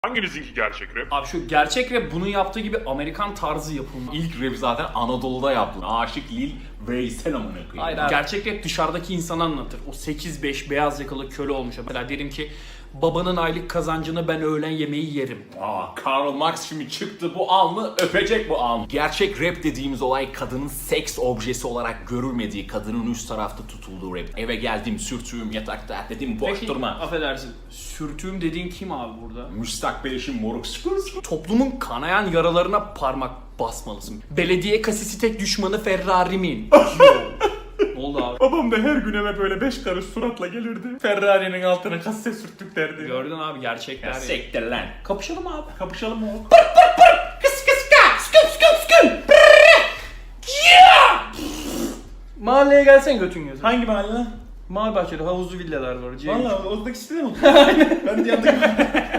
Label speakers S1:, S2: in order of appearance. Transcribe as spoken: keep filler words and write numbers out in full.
S1: Hanginizinki gerçek rap?
S2: Abi şu gerçek rap bunun yaptığı gibi Amerikan tarzı yapılma.
S3: İlk rap zaten Anadolu'da yaptı. Aşık Lil Veysel amına koyayım.
S2: Hayır abi. Gerçek rap dışarıdaki insanı anlatır. O sekiz beş beyaz yakalı köle olmuş. Mesela derim ki babanın aylık kazancını ben öğlen yemeği yerim.
S3: Aa, Karl Marx şimdi çıktı bu alnı öpecek bu alnı. Gerçek rap dediğimiz olay kadının seks objesi olarak görülmediği, kadının üst tarafta tutulduğu rap. Eve geldim, sürtüğüm yatakta dedim boş
S2: Peki,
S3: durma.
S2: affedersin. Sürtüğüm dediğin kim abi burada?
S3: Müstakbel eşim moruk sıkır sıkır.
S2: Toplumun kanayan yaralarına parmak basmalısın. Belediye kasisi tek düşmanı Ferrari'min. Ne oldu abi?
S3: Babam da her gün eve böyle beş karış suratla gelirdi. Ferrari'nin altına kasse sürttük derdi.
S2: Gördün abi gerçekler.
S3: Ya
S2: ya.
S3: sektir lan. Kapışalım abi. Kapışalım mı oğlum?
S2: Kıs kıs ka, sküm sküm sküm. Mahalleye gelsen götün gözü.
S3: Hangi mahalle lan?
S2: Mavi bahçede havuzlu villalar var.
S3: Valla oradaki sitede mi? Ben de yanındaki